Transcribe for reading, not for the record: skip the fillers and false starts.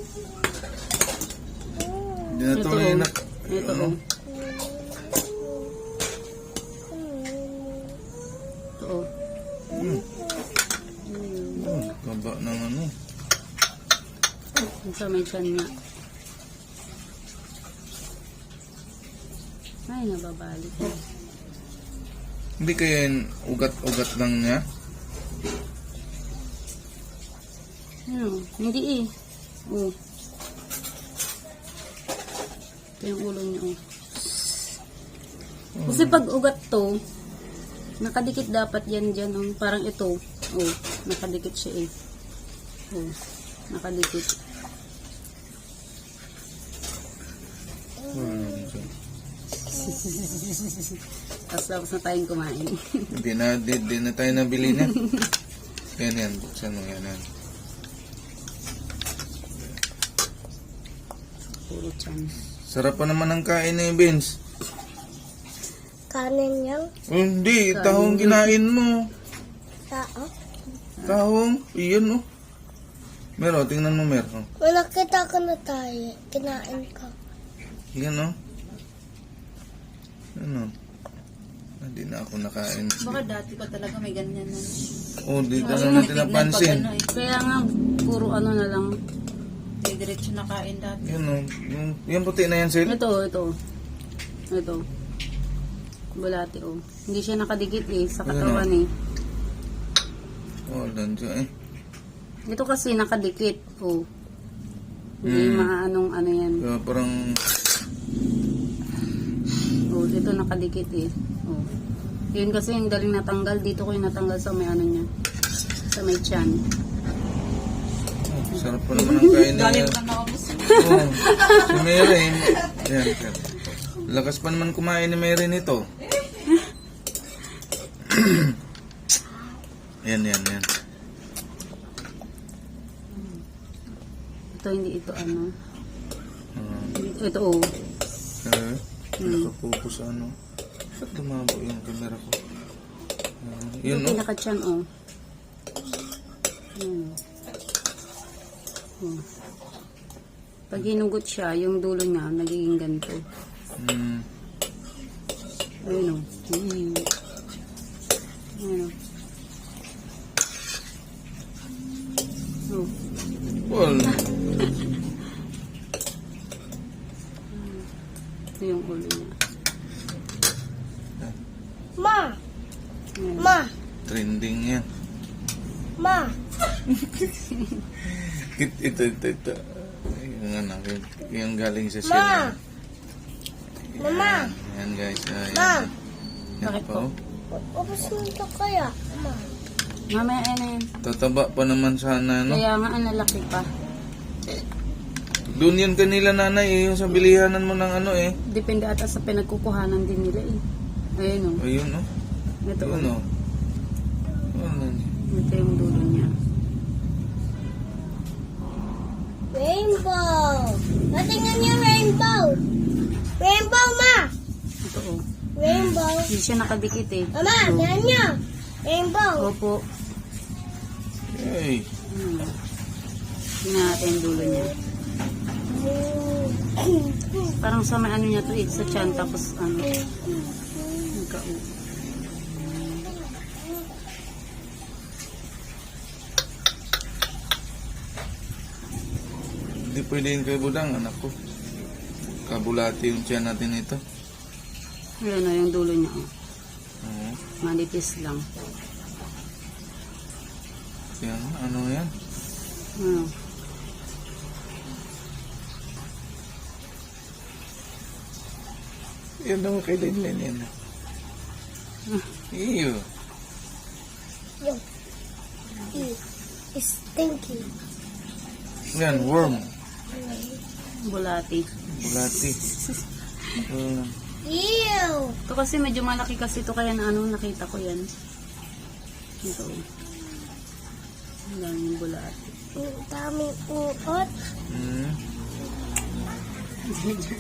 Hindi na ito ngayon na. Ito Ano? Ito Kaba ng ano. Sa may tiyan niya. Ay, nababalik. Hindi kaya yun ugat-ugat lang niya? Ano? Hindi eh. Oh. Ito yung ulo niya. Oh. Kasi pag ugat to, nakadikit dapat yan dyan. Oh. Parang ito. Oh, nakadikit siya eh. Oh, nakadikit. Tapos na tayong kumain. Hindi na tayo nabili na. Yan. Buksan mo yan. Puro tiyan. Sarap pa naman ang kain ni Vince. Kanin yan? Hindi, tahong kinain mo. Tao? Tahong, iyan oh. Meron, tingnan mo meron. May nakita ko na tayo. Kinain ko. Iyan oh. Ano? Hindi na ako nakain. Baka dati pa talaga may ganyan na. Oh, di ka na natin napansin. Kaya nga, puro ano na lang. May diretso na kain dati. Yan oh. Yung puti na yan, Sil. Ito. Bulati oh. Hindi siya nakadikit eh, sa katawan eh. Oh, dandiyan eh. Ito kasi nakadikit oh. Hindi maanong ano yan. Kaya parang... Oh, ito nakadikit eh. Oh. Yun kasi yung daling natanggal. Dito ko yung natanggal sa may ano niya. Sa may tiyan. Oh, sarap pa naman ang kain niya. Galing ka na ako. Oh, si Mary. Yan. Lakas pa naman kumain ni Mary nito. Yan. Ito hindi ito ano. Ito oh. Nakapokus ano. Ba't lumabo yung camera ko? Yun Ito no? pinaka-tiyan oh. Pag hinugot siya, yung dulo niya nagiging ganito. Ayun oh. Ayun oh. Oh. Well, Ito yung ulo niya. Ma! Ayan. Ma! trending yan. Ma! Ito. Yung anak, yung galing sa Ma! sila. Mama! Yan guys. Ma! Yan Bakit pa po? oh. Ubus mo ito kaya? Ma! Mamaya ayun na yan. Tataba pa naman sana no? Kaya nga ang lalaki pa. Doon yun kanila nanay eh, yung sa bilihanan mo ng ano eh. Depende ata sa pinagkukuhanan din nila eh. Ayun oh. Ayun no? Ito Ayun oh. no? Ito yung dulo niya. Rainbow! Natingnan niyo rainbow! Rainbow, ma! Ito oh. Rainbow! Hindi siya nakadikit eh. Mama, tingnan niyo! Rainbow! Opo. Hey. Tingnan natin yung dulo niya. Parang sa may ano niya to eh. Sa tiyan tapos ano. Nagka-u. Hindi pwede yun kay Budang, anak ko. Kabulati yung tiyan natin ito. Ayun o, yung dulo niya. Oh. Oo. Manipis lang. Yan, ano yan? Ano? Yan daw kay Lenlen yan. Iyo. Yo. It's stinky. Yan, worm. Bulati. Bulati. Ew! Ito kasi medyo malaki kasi ito kaya na ano, nakita ko yan. Ito. Ang daming bulati. Ang daming uot. Hmm.